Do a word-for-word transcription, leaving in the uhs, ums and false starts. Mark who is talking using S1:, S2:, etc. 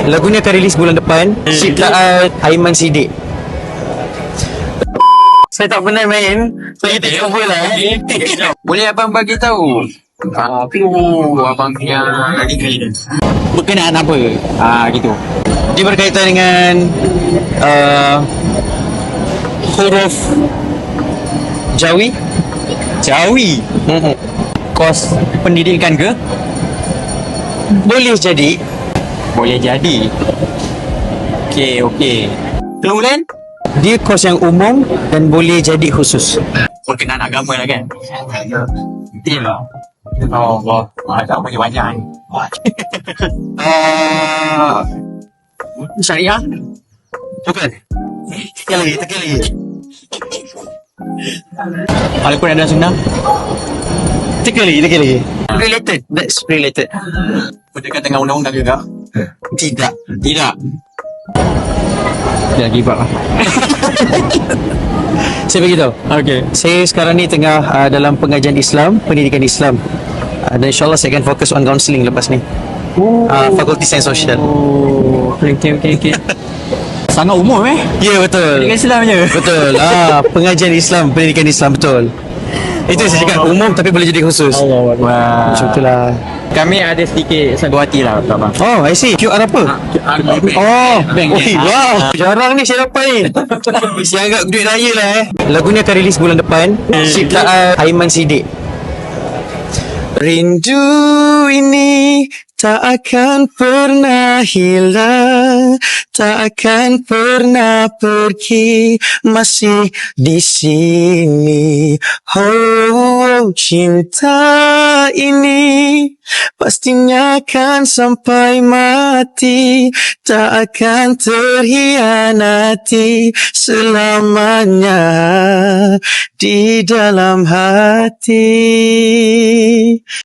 S1: Lagunya akan rilis bulan depan. Ciptaan Aiman Siddiq. Saya tak pernah main. Saya tak cover lah.
S2: Boleh abang bagi tahu apa abang punya degree
S1: Berkenaan apa? Ah gitu. Dia berkaitan dengan uh, huruf Jawi.
S3: Jawi. Kos pendidikan ke?
S1: Boleh jadi.
S3: Boleh jadi. Okey, okey.
S2: Kemudian
S1: Dia kos yang umum dan boleh jadi khusus.
S2: berkenaan agama lah kan. Betul lah. Oh, Allah. Agama dia banyak ni. Uh, syariah.
S1: Bukan. Tekan lagi, tekan lagi.
S3: Al-Quran dan Sunnah.
S1: Tekan lagi, tekan lagi. Related. That's related.
S2: Berdekat dengan undang-undang juga.
S1: Tidak.
S2: Tidak.
S3: Dah give up lah.
S1: Saya beritahu.
S3: Okey.
S1: Saya sekarang ni tengah uh, dalam pengajian Islam, pendidikan Islam. Uh, dan insyaAllah saya akan fokus on counselling lepas ni. Uh, Fakulti Sains Sosial.
S3: Oh, okey, okey, okey. Sangat umum eh?
S1: Ya, betul.
S3: Pendidikan Islam je.
S1: Betul. Ah, pengajian Islam, pendidikan Islam, betul. Itu yang saya cakap, umum tapi boleh jadi khusus.
S3: Allah Akbar.
S1: Macam itulah.
S3: Kami ada sedikit sanggup hati lah untuk abang.
S1: Oh, I see. Q R apa? Oh, bank. Oh, wow. Jarang ni saya dapat ni. Saya anggap duit raya lah eh. Lagunya akan rilis bulan depan. Ciptaan Aiman Siddiq. Rindu ini tak akan pernah hilang, tak akan pernah pergi, masih di sini. Oh, cinta ini pastinya akan sampai mati, tak akan terhianati selamanya di dalam hati.